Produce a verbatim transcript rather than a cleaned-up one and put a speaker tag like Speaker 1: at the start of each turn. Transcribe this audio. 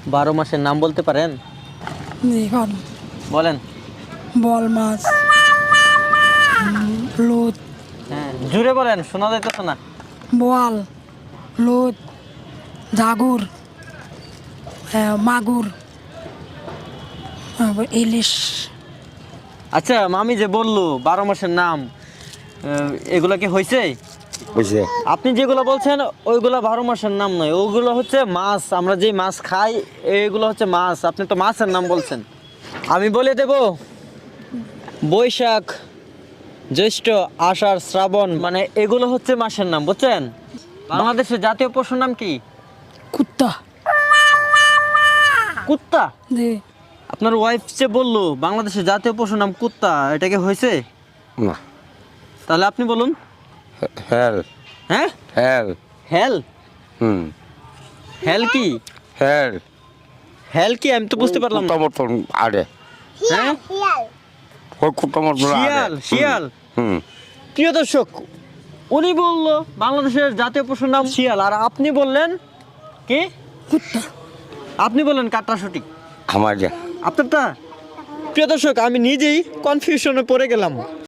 Speaker 1: বারো মাসের নাম বলতে পারেন? বলেন।
Speaker 2: বল মাছ, লোদ,
Speaker 1: হ্যাঁ জুড়ে বলেন, শোনা যাইতেছে না।
Speaker 2: বোয়াল, লোদ, জাগুর, আহ, মাগুর, আবার ইলিশ।
Speaker 1: আচ্ছা মামি যে বললো বারো মাসের নাম, আহ, এগুলা কি হয়েছে?
Speaker 3: বুঝছে
Speaker 1: আপনি যেগুলো বলছেন ওইগুলো বারো মাসের নাম নয়, ওগুলো হচ্ছে মাছ। আমরা যে মাছ খাই এইগুলো হচ্ছে মাছ। আপনি তো মাছের নাম বলছেন। আমি বলে দেব, বৈশাখ, জ্যৈষ্ঠ, আষাঢ়, শ্রাবণ, মানে এগুলো হচ্ছে মাসের নাম, বুঝছেন? বাংলাদেশের জাতীয় পশুর নাম কি?
Speaker 2: কুত্তা।
Speaker 1: কুত্তা?
Speaker 2: জি।
Speaker 1: আপনার ওয়াইফ যে বললো বাংলাদেশের জাতীয় পশুর নাম কুত্তা, এটা কি হয়েছে?
Speaker 3: না।
Speaker 1: তাহলে আপনি বলুন।
Speaker 3: হেল
Speaker 1: হ্যাঁ,
Speaker 3: হেল
Speaker 1: হেল।
Speaker 3: হুম
Speaker 1: হেল কি?
Speaker 3: হেল
Speaker 1: হেল কি আমি তো বুঝতে পারলাম না।
Speaker 3: কুত্তা মতন আরে
Speaker 1: হ্যাঁ,
Speaker 3: ওই কুত্তা মতন আরে
Speaker 1: শিয়াল, শিয়াল।
Speaker 3: হুম
Speaker 1: প্রিয় দর্শক, উনি বললো বাংলাদেশের জাতীয় পশুর নাম শিয়াল, আর আপনি বললেন কি?
Speaker 2: কুত্তা।
Speaker 1: আপনি বললেন কাটটা সঠিক।
Speaker 3: আমার যা
Speaker 1: আপনারটা? প্রিয় দর্শক, আমি নিজেই কনফিউশনে পড়ে গেলাম।